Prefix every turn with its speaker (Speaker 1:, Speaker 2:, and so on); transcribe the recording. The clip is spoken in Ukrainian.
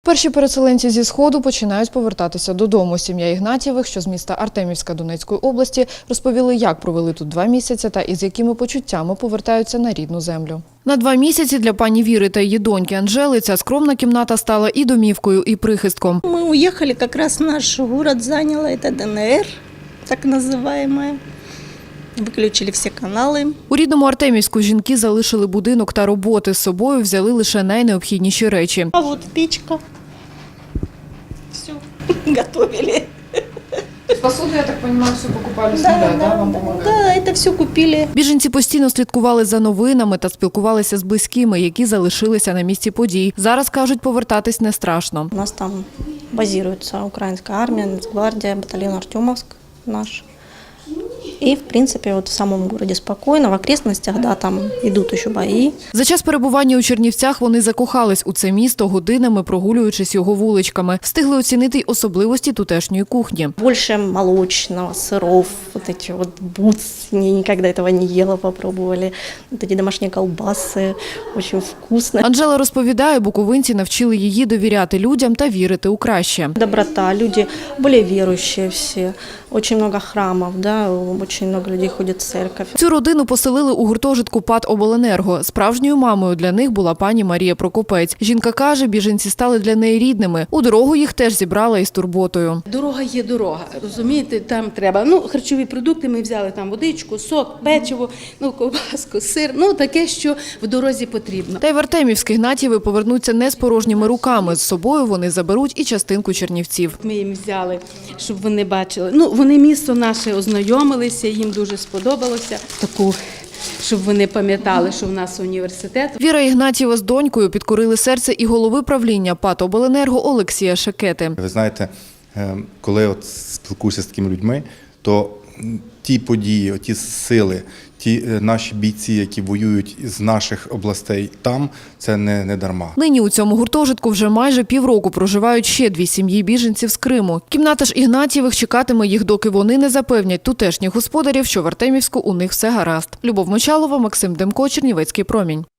Speaker 1: Перші переселенці зі Сходу починають повертатися додому. Сім'я Ігнатієвих, що з міста Артемівська Донецької області, розповіли, як провели тут 2 місяці та із якими почуттями повертаються на рідну землю. На 2 місяці для пані Віри та її доньки Анжели ця скромна кімната стала і домівкою, і прихистком.
Speaker 2: Мы уехали, как раз наш город заняла, это ДНР, так называемая. Выключили всі канали.
Speaker 1: У рідному Артемівську жінки залишили будинок та роботи. З собою взяли лише найнеобхідніші речі.
Speaker 2: А вот печка. Все, готовили.
Speaker 1: Посуду, я так розумію, все покупали
Speaker 2: Да, это все купили.
Speaker 1: Біженці постійно слідкували за новинами та спілкувалися з близькими, які залишилися на місці подій. Зараз, кажуть, повертатись не страшно.
Speaker 2: У нас там базируется украинская армия, Нацгвардия, батальон Артемовск наш. И, в принципе, вот в самом городе спокойно, в окрестностях, да, там идут еще бои.
Speaker 1: За час перебування у Чернівцях вони закохались у це місто, годинами прогулюючись його вуличками. Встигли оцінити й особливості тутешньої кухні.
Speaker 2: Больше молочного, сыров, вот эти вот буцни, никогда этого не ела, попробовали. Вот эти домашние колбасы, очень вкусно.
Speaker 1: Анжела розповідає, буковинці навчили її довіряти людям та вірити у краще.
Speaker 2: Доброта, люди более верующие все, очень много храмов, да, очень много людей ходит в церковь.
Speaker 1: Цю родину поселили у гуртожитку ПАТ «Обленерго». Справжньою мамою для них була пані Марія Прокопець. Жінка каже, біженці стали для неї рідними. У дорогу їх теж зібрала із турботою.
Speaker 3: Дорога є дорога, розумієте, там треба, харчові продукти, ми взяли там водичку, сок, печиво, ковбаску, сир, таке, що в дорозі потрібно.
Speaker 1: Та й в Артемівськ Ігнатієви повернуться не з порожніми руками. З собою вони заберуть і частинку Чернівців.
Speaker 3: Ми їм взяли, щоб вони бачили, вони місто наше ознайомилися, їм дуже сподобалося таку, щоб вони пам'ятали, що в нас університет.
Speaker 1: Віра Ігнатієва з донькою підкорили серце і голови правління ПАТ «Обленерго» Олексія Шекети.
Speaker 4: Ви знаєте, коли спілкуюся з такими людьми, то ті події, ті сили, ті наші бійці, які воюють з наших областей там, це не дарма.
Speaker 1: Нині у цьому гуртожитку вже майже півроку проживають ще 2 сім'ї біженців з Криму. Кімната ж Ігнатієвих чекатиме їх, доки вони не запевнять тутешніх господарів, що в Артемівську у них все гаразд. Любов Мочалова, Максим Демко, Чернівецький промінь.